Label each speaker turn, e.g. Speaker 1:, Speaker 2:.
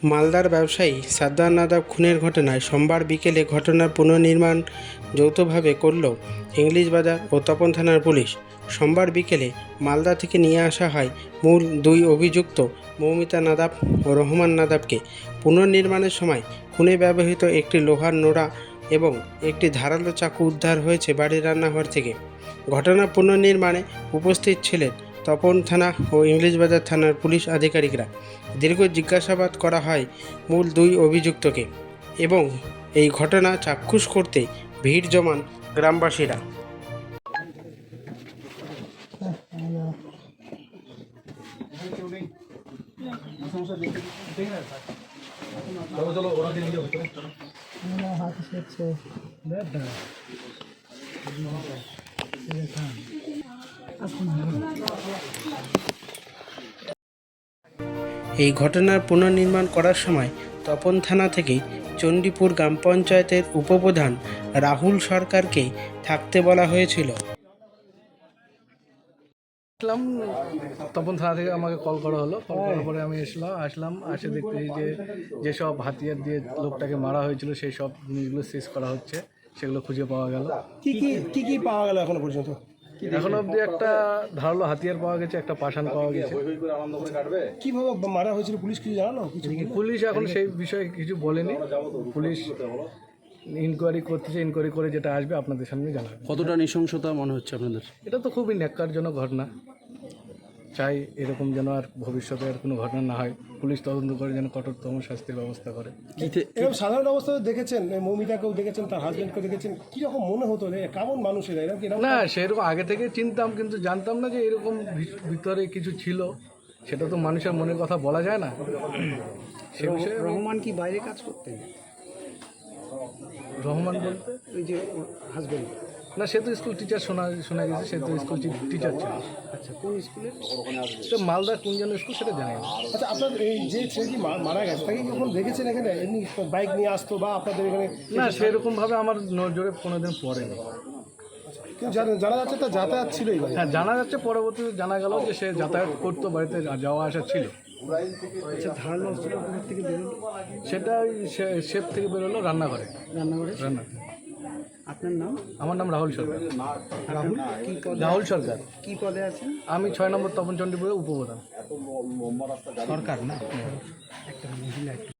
Speaker 1: মালদার ব্যবসায়ী সাদ্দার নাদাব খুনের ঘটনায় সোমবার বিকেলে ঘটনার পুনর্নির্মাণ যৌথভাবে করল ইংলিশ বাজার ও তপন থানার পুলিশ। সোমবার বিকেলে মালদা থেকে নিয়ে আসা হয় মূল দুই অভিযুক্ত মৌমিতা নাদাব ও রহমান নাদাবকে। পুনর্নির্মাণের সময় খুনে ব্যবহৃত একটি লোহার নোড়া এবং একটি ধারালো চাকু উদ্ধার হয়েছে বাড়ির রান্নাঘর থেকে। ঘটনার পুনর্নির্মাণে উপস্থিত ছিলেন তপন থানা ও ইংলিশ বাজার থানার পুলিশ আধিকারিকরা। দীর্ঘ জিজ্ঞাসাবাদ করা হয় মূল দুই অভিযুক্তকে এবং এই ঘটনা চাক্ষুষ করতে ভিড় জমান গ্রামবাসীরা। এই ঘটনার পুনর্নির্মাণ করার সময় তপন থানা থেকে চণ্ডীপুর গ্রাম পঞ্চায়েতের উপপ্রধান রাহুল সরকারকে থাকতে বলা হয়েছিল।
Speaker 2: আসলাম, তপন থানা থেকে আমাকে কল করা হলো। কল করার পরে আমি আসলাম এসে দেখতে যে যেসব হাতিয়ার দিয়ে লোকটাকে মারা হয়েছিল সেই সব জিনিসগুলো শেষ করা হচ্ছে, সেগুলো খুঁজে পাওয়া গেল।
Speaker 3: কি পাওয়া গেল এখনো পর্যন্ত?
Speaker 2: এখন অবধি একটা ধারালো হাতিয়ার পাওয়া গেছে, একটা পাষাণ পাওয়া গেছে।
Speaker 3: কিভাবে মারা হয়েছিল পুলিশ কিছু জানালো?
Speaker 2: পুলিশ এখন সেই বিষয়ে কিছু বলেনি। পুলিশ ইনকোয়ারি করতেছে, ইনকোয়ারি করে যেটা আসবে আপনাদের সামনে জানাবে।
Speaker 4: কতটা নৃশংসতা মনে হচ্ছে আপনাদের?
Speaker 2: এটা তো খুবই ন্যাক্কারজনক ঘটনা। চাই এরকম যেন আর ভবিষ্যতে আর কোনো ঘটনা না হয়। পুলিশ তদন্ত করে যেন কঠোরতম শাস্তির ব্যবস্থা করে।
Speaker 3: এরকম সাধারণ অবস্থায় দেখেছেন, মৌমিতাকেও দেখেছেন, তার হাজবেন্ডকেও দেখেছেন, কীরকম মনে হতো কেমন মানুষেরা এরকম?
Speaker 2: না, সেরকম আগে থেকে চিনতাম, কিন্তু জানতাম না যে এরকম ভিতরে কিছু ছিল। সেটা তো মানুষের মনের কথা বলা যায় না। সে বিষয়ে
Speaker 1: রহমান কি বাইরে কাজ করতেন?
Speaker 2: রহমান বলতে
Speaker 1: ওই যে হাজবেন্ড?
Speaker 2: না, সে তো স্কুল টিচার শোনা গেছে। সে তো স্কুল টিচার ছিল।
Speaker 1: আচ্ছা, কোন স্কুলে?
Speaker 2: তো মালদা কোন যেন স্কুল সেটা জানি না।
Speaker 3: আচ্ছা, আপনার এই যে ছেলেটি মারা গেছে তাকে কখন দেখেছেন এখানে? এমনি বাইক নিয়ে আসতো বা আপনাদের এখানে?
Speaker 2: না, সেরকমভাবে আমার নজরে কোনোদিন পড়েনি।
Speaker 3: কিন্তু জানা যাচ্ছে তার যাতায়াত ছিল এই বাড়ি।
Speaker 2: হ্যাঁ, জানা যাচ্ছে, পরবর্তীতে জানা গেল যে সে যাতায়াত করতো, বাড়িতে যাওয়া আসা ছিল।
Speaker 1: আচ্ছা, ধারালো অস্ত্র থেকে বেরোলো?
Speaker 2: সেটা শেপ থেকে বেরোলো রান্নাঘরে। রান্না।
Speaker 1: আপনার নাম?
Speaker 2: আমার নাম রাহুল সরকার।
Speaker 1: রাহুল কি পদে?
Speaker 2: রাহুল সরকার।
Speaker 1: কি পদে আছেন?
Speaker 2: আমি 6 নম্বর তপন চণ্ডীপুরের উপপ্রধান।
Speaker 1: সরকার না, একটা মহিলা।